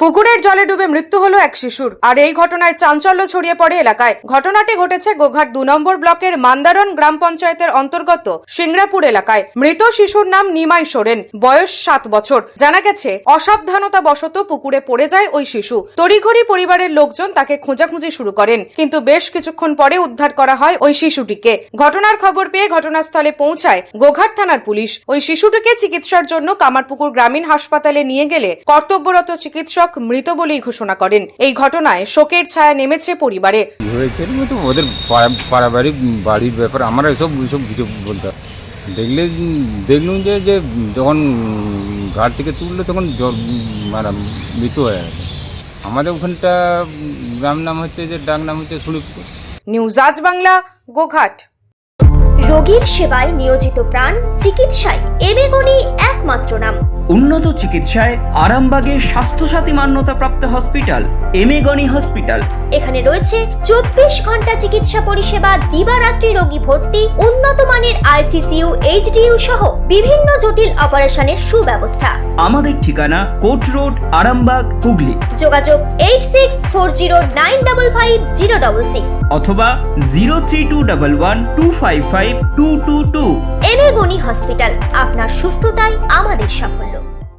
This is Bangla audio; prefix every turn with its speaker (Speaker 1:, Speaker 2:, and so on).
Speaker 1: পুকুরের জলে ডুবে মৃত্যু হলো এক শিশুর। আর এই ঘটনায় চাঞ্চল্য ছড়িয়ে পড়ে এলাকায়। ঘটনাটি ঘটেছে গোঘাট 2 নম্বর ব্লকের মান্দারন গ্রাম পঞ্চায়েতের অন্তর্গত সিংড়াপুর এলাকায়। মৃত শিশুর নাম নিমাই সোরেন, বয়স 7 বছর। জানা গেছে অসাবধানতা বশত পুকুরে পড়ে যায় ওই শিশু। তড়িঘড়ি পরিবারের লোকজন তাকে খোঁজাখুঁজি শুরু করেন, কিন্তু বেশ কিছুক্ষণ পরে উদ্ধার করা হয় ওই শিশুটিকে। ঘটনার খবর পেয়ে ঘটনাস্থলে পৌঁছায় গোঘাট থানার পুলিশ। ওই শিশুটিকে চিকিৎসার জন্য কামারপুকুর গ্রামীণ হাসপাতালে নিয়ে গেলে কর্তব্যরত চিকিৎসক মৃত বলেই ঘোষণা করেন। এই ঘটনায় শোকের ছায়া নেমেছে পরিবারে।
Speaker 2: ওদের পারিবারিক বাড়ির ব্যাপার, আমরা এসব কিছু বলতে দেখলুম যে যখন ঘাট থেকে তুললো তখন মৃত হয়ে গেছে। আমাদের ওখানটা গ্রাম নাম হচ্ছে যে ডাক নাম হচ্ছে সুড়িপুর।
Speaker 1: নিউজ আজ বাংলা, গোঘাট।
Speaker 3: রোগীর সেবায় নিয়োজিত প্রাণ, চিকিৎসায় এবেগুনি একমাত্র নাম।
Speaker 4: উন্নত চিকিৎসায় আরামবাগে স্বাস্থ্যসাথী মান্যতাপ্রাপ্ত হসপিটাল এমেগনি হসপিটাল।
Speaker 3: এখানে রয়েছে 24 ঘন্টা চিকিৎসা পরিষেবা, দিবারাত্রি রোগী ভর্তি, উন্নত মানের আইসিইউ, এইচডিইউ সহ বিভিন্ন জটিল অপারেশনের সুব্যবস্থা। আমাদের ঠিকানা কোট রোড, আরামবাগ, হুগলি। যোগাযোগ 8640955066 অথবা 03211255222। এমেগনি হসপিটাল, আপনার সুস্থতাই আমাদের সাফল্য।